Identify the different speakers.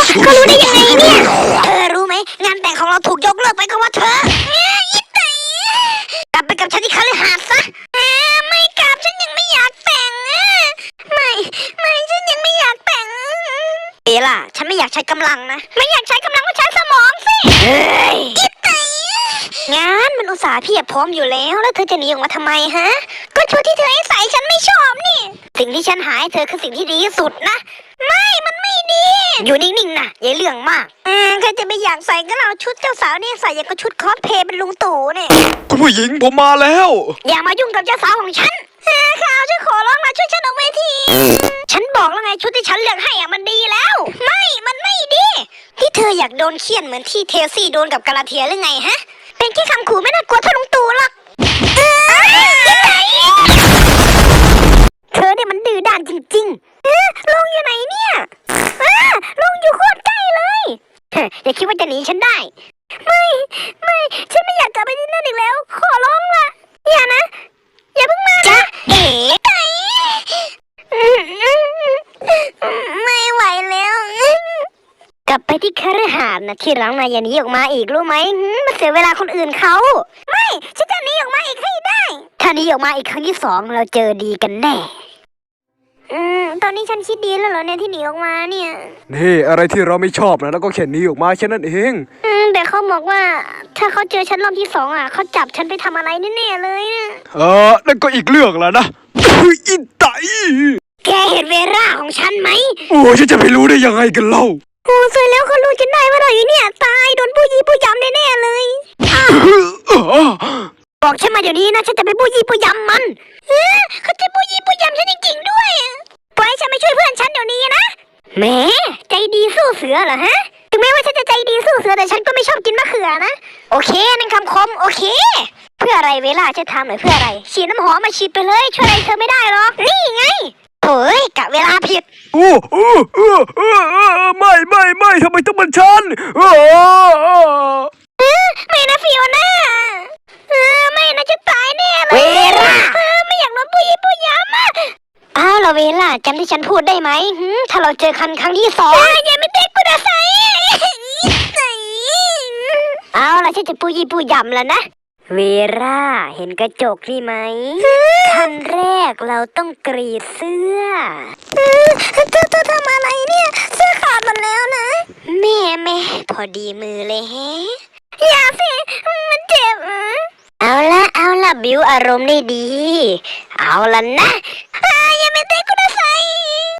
Speaker 1: ก็รู้ได้ยังไงเนี่ยเธอรู้ไหมงานแต่งของเราถูกยกเลิกไปเพราะว่าเธออีไตกลับไปกับฉันที่คฤหาสน์ซะไม่กลับฉันยังไม่อยากแต่งไม่ฉันยังไม่อยากแต่งล่ะฉันไม่อยากใช้กำลังนะไม่อยากใช้กำลังก็ใช้สมองสิอีไตงานมันอุตส่าห์เพียบพร้อมอยู่แล้วเธอจะหนีออกมาทำไมฮะก็ชุดที่เธอให้ใส่ฉันไม่ชอบนี่สิ่งที่ฉันหาให้เธอคือสิ่งที่ดีที่สุดนะมันไม่ดีอยู่นิ่งๆนะอย่าเรื่องมากใครจะไม่อยากใส่ก็เอาชุดเจ้าสาวนี่ใส่อย่างกับชุดคอสเพลย์เป็นลุงตู่เนี่ย
Speaker 2: คุณผู้หญิงผมมาแล้ว
Speaker 1: อย่ามายุ่งกับเจ้าสาวของฉันข่าวฉันขอร้องมาช่วยฉันออกเวทีฉันบอกแล้วไงชุดที่ฉันเลือกให้มันดีแล้วมันไม่ดีที่เธออยากโดนเคี่ยนเหมือนที่เทลซี่โดนกับกาลาเทียหรือไงฮะเป็นแค่คำขู่ไม่น่ากลัวเท่าลุงตู่หรอกเธอเนี่ยมันดื้อด้านจริงๆลงอยู่ไหนเนี่ยลงอยู่โคตรใกล้เลยอย่าคิดว่าจะหนีฉันได้ไม่ฉันไม่อยากกลับไปที่นั่นอีกแล้วขอร้องล่ะอย่านะอย่าเพิ่งมาจ๊ะไก่ไม่ไหวแล้วกลับไปที่คฤหาสน์นะที่หลังนายอย่าหนีออกมาอีกรู้ไหมมันเสียเวลาคนอื่นเขาไม่ฉันจะหนีออกมาอีกให้ได้ถ้าหนีออกมาอีกครั้งที่2เราเจอดีกันแน่ตอนนี้ฉันคิดดีแล้วเหรอเนี่ยที่หนีออกมาเนี่ย
Speaker 2: นี่อะไรที่เราไม่ชอบนะแล้วก็แค่หนีออกมาแค่นั้นเอง
Speaker 1: แต่เขาบอกว่าถ้าเขาเจอฉันรอบที่2เขาจับฉันไปทำอะไรแน่ๆเลยนะ
Speaker 2: นั่นก็อีกเรื่องแล้วนะอินไต
Speaker 1: แกเห็นเวลาของฉันไหม
Speaker 2: โอ้ฉันจะไปรู้ได้ยังไงกันเล่า
Speaker 1: สวยแล้วเขารู้จนได้ว่าเราอยู่เนี่ยตายโดนผู้ยี่ผู้ยำแน่ๆเลยบอกฉันมาเดี๋ยวนี้นะฉันจะไปผู้ยี่ผู้ยำมันเขาจะผู้ยี่ผู้ยำฉันจริงๆด้วยปล่อยฉันไปช่วยเพื่อนฉันเดี๋ยวนี้นะแหมใจดีสู้เสือเหรอฮะถึงแม้ว่าฉันจะใจดีสู้เสือแต่ฉันก็ไม่ชอบกินมะเขือนะโอเคนั่นคำคมโอเคเพื่ออะไรเวลาจะทำหรือเพื่ออะไรฉีดน้ำหอมมาฉีดไปเลยช่วยอะไรเธอไม่ได้หรอกนี่ไงโถ่กะเวลาผิด
Speaker 2: ไม่ทำไมต้องเป็นฉัน
Speaker 1: ไม่นะฟิโอน่าไม่นะจะตายแน่เลยเวลาไม่อยากโดนผู้ยี่ผู้ยำเราเวลาจำที่ฉันพูดได้ไหมถ้าเราเจอครั้งที่2อย่าไม่เด็กกูนะไซล่ะฉันจะผู้ยี่ผู้ยำแล้วนะเวลาเห็นกระจกนี่ไหมขั้นแรกเราต้องกรีดเสื้อเธอทำอะไรเนี่ยเสื้อขาดหมดแล้วนะแม่พอดีมือเลยแฮะอย่าสิมันเจ็บเอาละบิวอารมณ์ได้ดีเอาละนะอย่าไปเตะกูนะไซ